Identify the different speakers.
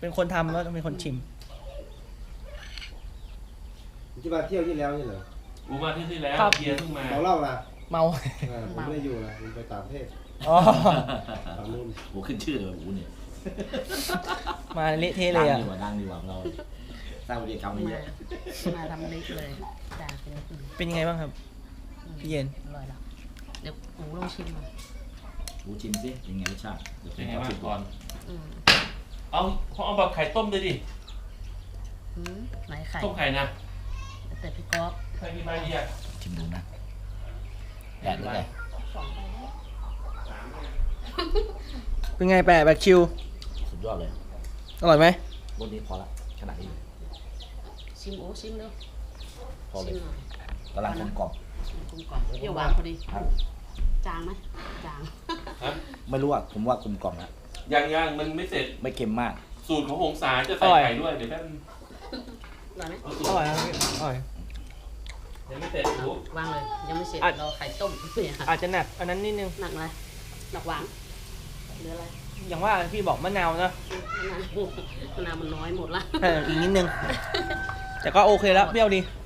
Speaker 1: เป็นคนทำแล้วต้องเป็นคนชิม
Speaker 2: ที่มาเที่ยวที่แล้วนี่เหรอ
Speaker 3: กูมาที่แล้ว
Speaker 1: ครับ
Speaker 3: เบียร์เพิ่งมา
Speaker 2: เมาเหล้านะ
Speaker 1: เมา
Speaker 2: ผมไม่ได้อยู่นะผมไปต่างประเทศ
Speaker 1: อ๋อ
Speaker 2: ต่างนู่น
Speaker 4: โอ้ขึ้นชื่อเลยอูเนี่ย
Speaker 1: มาเละเทะเลยอ่ะ
Speaker 4: ดังดีกว่าเราสร้างวิธีกรรมมาเยอะ
Speaker 5: มาทำเล็กเลยจ้าเป็น
Speaker 1: เป็นยังไงบ้างครับพี่เย็น
Speaker 5: อร่อยแล้วเดี๋ยวหมูลองชิมมา
Speaker 4: อูชิมสิเป็นไงรสชาติเดี๋ยวผ
Speaker 3: เป็น
Speaker 4: ม
Speaker 3: ไง
Speaker 4: ขอ
Speaker 3: บ้า
Speaker 4: ชิ
Speaker 3: ง
Speaker 4: ม
Speaker 3: ก่อน
Speaker 5: อืม
Speaker 3: เอาแบบไข่ต้มเลยดิ
Speaker 5: ไหนไข่
Speaker 3: ต้มไข่นะ
Speaker 5: แต่พี่ก๊อฟ
Speaker 3: ไข่กี่ใบดีอ่ะ
Speaker 4: ชิมดูนะแดดหรือไง
Speaker 5: 2 ใบได้
Speaker 1: เป็นไงแปะแบบชิว
Speaker 4: สุดยอดเลย
Speaker 1: อร่อยไหม
Speaker 4: รสนี้พอละขนาดนี้
Speaker 5: ชิมโอ้ชิมเร็ว
Speaker 4: พอเล
Speaker 5: ชิ
Speaker 4: ย
Speaker 5: มหน่อย
Speaker 4: กำลังกลมกล่อม
Speaker 5: ชิมกลมกล่อมเปรี้ยวหวานพอดี
Speaker 4: ครับ
Speaker 5: จางไหมจาง
Speaker 3: ฮะ
Speaker 4: ไม่รู้อ่ะผมว่ากลมกล่อมนะ
Speaker 3: ยังมันไม่เสร็จ
Speaker 4: ไม่เค็มมาก
Speaker 3: สูตรของหงสาจะใส่ไข่ด้วย เดี๋ยวแป๊บนึง
Speaker 5: อร่อยไหม
Speaker 3: เอาสูต
Speaker 1: อ
Speaker 3: ร
Speaker 1: ร่อยครับพี่อร่อย
Speaker 3: ยังไม่เสร็จรู้
Speaker 5: วางเลยยังไม่เสร็จ
Speaker 1: อ่ะ
Speaker 5: รอไข่ต้มเนี่ย
Speaker 1: อาจจะหนักอันนั้นนิดนึง
Speaker 5: หนักอะไรหนักหวานหรืออะไร
Speaker 1: อย่างว่าพี่บอกมะนาวนะ
Speaker 5: มะนาวมันน้อยหมดละ
Speaker 1: อีกนิดนึง แต่ก็โอเคแล้วเปรี้ยวดี
Speaker 5: อ